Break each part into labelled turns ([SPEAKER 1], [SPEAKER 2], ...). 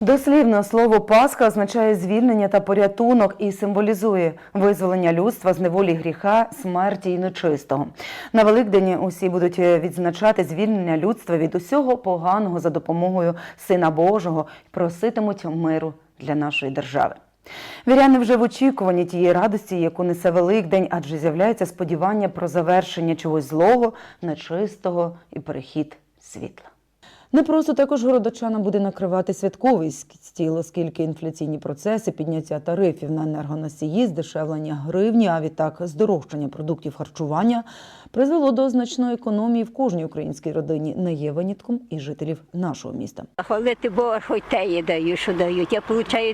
[SPEAKER 1] Дослівно слово «Пасха» означає звільнення та порятунок і символізує визволення людства з неволі гріха, смерті і нечистого. На Великдень усі будуть відзначати звільнення людства від усього поганого за допомогою Сина Божого і проситимуть миру для нашої держави. Віряни вже в очікуванні тієї радості, яку несе Великдень, адже з'являється сподівання про завершення чогось злого, нечистого і перехід світла. Не просто також городочана буде накривати святковий стіл, оскільки інфляційні процеси, підняття тарифів на енергоносії, здешевлення гривні, а відтак здорожчання продуктів харчування призвело до значної економії в кожній українській родині, не є винятком і жителів нашого міста.
[SPEAKER 2] Хвалити Бога, хоч те є дають, що дають. Я отримую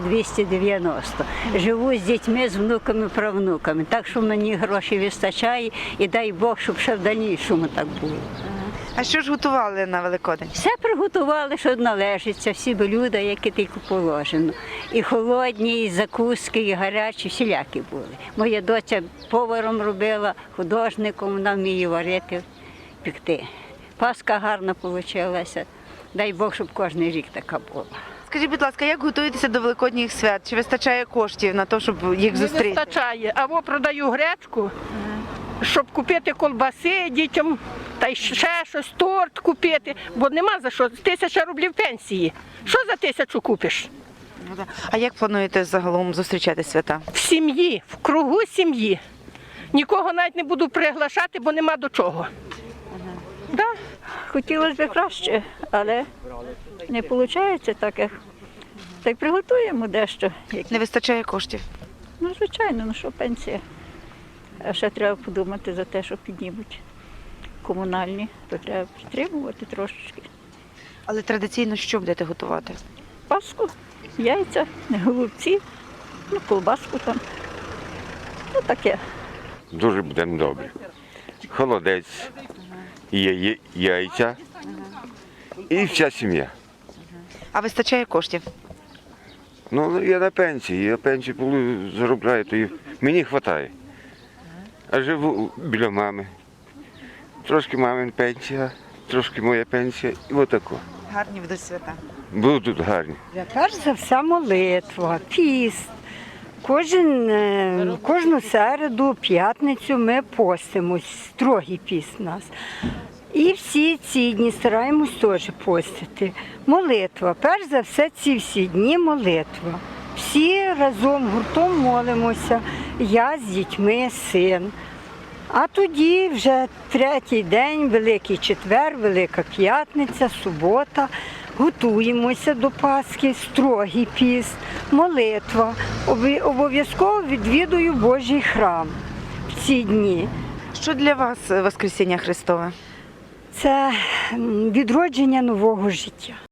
[SPEAKER 2] 1290. Живу з дітьми, з внуками, правнуками. Так що мені грошей вистачає і дай Бог, щоб ще в дальнішому так було.
[SPEAKER 3] А що ж готували на Великодень?
[SPEAKER 2] Все приготували, що належиться, всі блюда, які тільки положено. І холодні, і закуски, і гарячі, всілякі були. Моя доця поваром робила, художником, вона вміє варити, пекти. Пасха гарна вийшла. Дай Бог, щоб кожен рік така була.
[SPEAKER 3] Скажіть, будь ласка, як готуєтеся до Великодніх свят? Чи вистачає коштів на те, щоб їх зустріти?
[SPEAKER 4] Не вистачає. Або продаю гречку, щоб купити колбаси дітям, та й ще щось, торт купити, бо нема за що. 1000 рублів пенсії. Що за 1000 купиш?
[SPEAKER 3] А як плануєте загалом зустрічати свята?
[SPEAKER 4] В сім'ї, в кругу сім'ї. Нікого навіть не буду приглашати, бо нема до чого. Да?
[SPEAKER 2] Хотілося б краще, але не виходить так, як. Так приготуємо дещо.
[SPEAKER 3] Не вистачає коштів?
[SPEAKER 2] Ну, звичайно, ну що пенсія. А ще треба подумати за те, що піднімуть комунальні, то треба підтримувати трошечки.
[SPEAKER 3] Але традиційно що будете готувати?
[SPEAKER 2] Паску, яйця, голубці, ну, колбаску там. Ну, таке.
[SPEAKER 5] Дуже будемо добре. Холодець, яйця і вся сім'я.
[SPEAKER 3] А вистачає коштів?
[SPEAKER 5] Ну, я на пенсії заробляю, то і мені вистачає. А живу біля мами. Трошки мамин пенсія, трошки моя пенсія і отако.
[SPEAKER 3] Гарні будуть свята.
[SPEAKER 5] Будуть гарні.
[SPEAKER 6] Перш за все молитва, піст. Кожну середу, п'ятницю ми постимось, строгий піст у нас. І всі ці дні стараємось теж постити. Молитва, перш за все ці всі дні молитва. Всі разом гуртом молимося, я з дітьми, син. А тоді вже третій день, Великий четвер, Велика п'ятниця, субота. Готуємося до Пасхи, строгий піст, молитва. Обов'язково відвідую Божий храм в ці дні.
[SPEAKER 3] Що для вас Воскресіння Христове?
[SPEAKER 6] Це відродження нового життя.